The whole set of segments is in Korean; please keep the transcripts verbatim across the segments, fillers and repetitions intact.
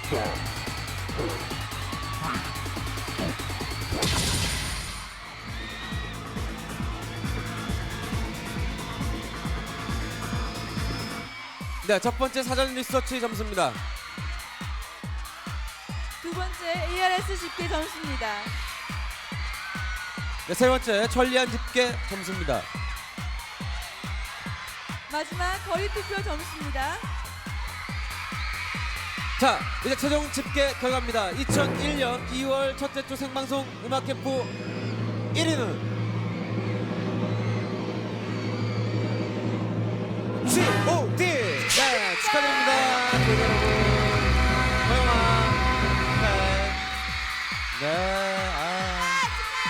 네, 첫 번째 사전 리서치 점수입니다. 두 번째 에이알에스 집계 점수입니다. 네, 세 번째 천리안 집계 점수입니다. 마지막 거리 투표 점수입니다. 자, 이제 최종 집계 결과입니다. 이천일 년 이월 첫째 주 생방송 음악 캠프 일 위는 지 오 디! 네, 축하드립니다. 조이 여러분. 고영아. 네. 네, 아.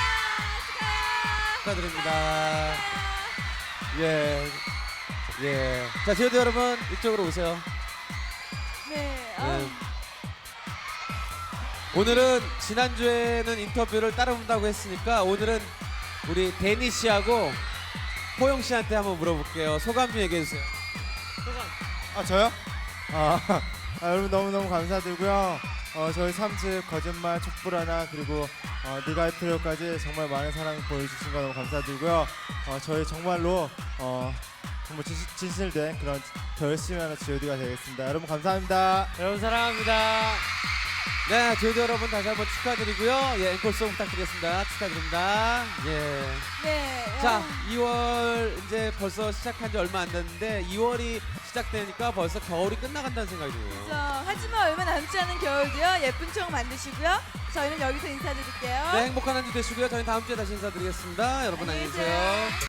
축하드립니다. 예. 예. 자, 지오디 여러분, 이쪽으로 오세요. 네. 네. 아, 오늘은 지난주에는 인터뷰를 따라온다고 했으니까 오늘은 우리 데니 씨하고 호영 씨한테 한번 물어볼게요. 소감 좀 얘기해 주세요. 아 저요? 아, 아, 여러분 너무너무 감사드리고요. 어, 저희 삼 집 거짓말 촛불 하나 그리고 어, 네가 할 필요까지 정말 많은 사랑 보여주신 거 너무 감사드리고요. 어, 저희 정말로 어, 정말 진, 진실된 그런 더 열심히 하는 지오디가 되겠습니다. 여러분 감사합니다. 여러분 사랑합니다. 네, 지오디 여러분 다시 한번 축하드리고요. 예, 앵콜송 부탁드리겠습니다. 축하드립니다. 예. 네. 자, 아, 이월 이제 벌써 시작한 지 얼마 안 됐는데 이월이 시작되니까 벌써 겨울이 끝나간다는 생각이 드네요. 그렇죠. 하지만 얼마 남지 않은 겨울도요. 예쁜 총 만드시고요. 저희는 여기서 인사드릴게요. 네, 행복한 한 주 되시고요. 저희는 다음 주에 다시 인사드리겠습니다. 여러분 안녕히 안녕히 계세요. 계세요.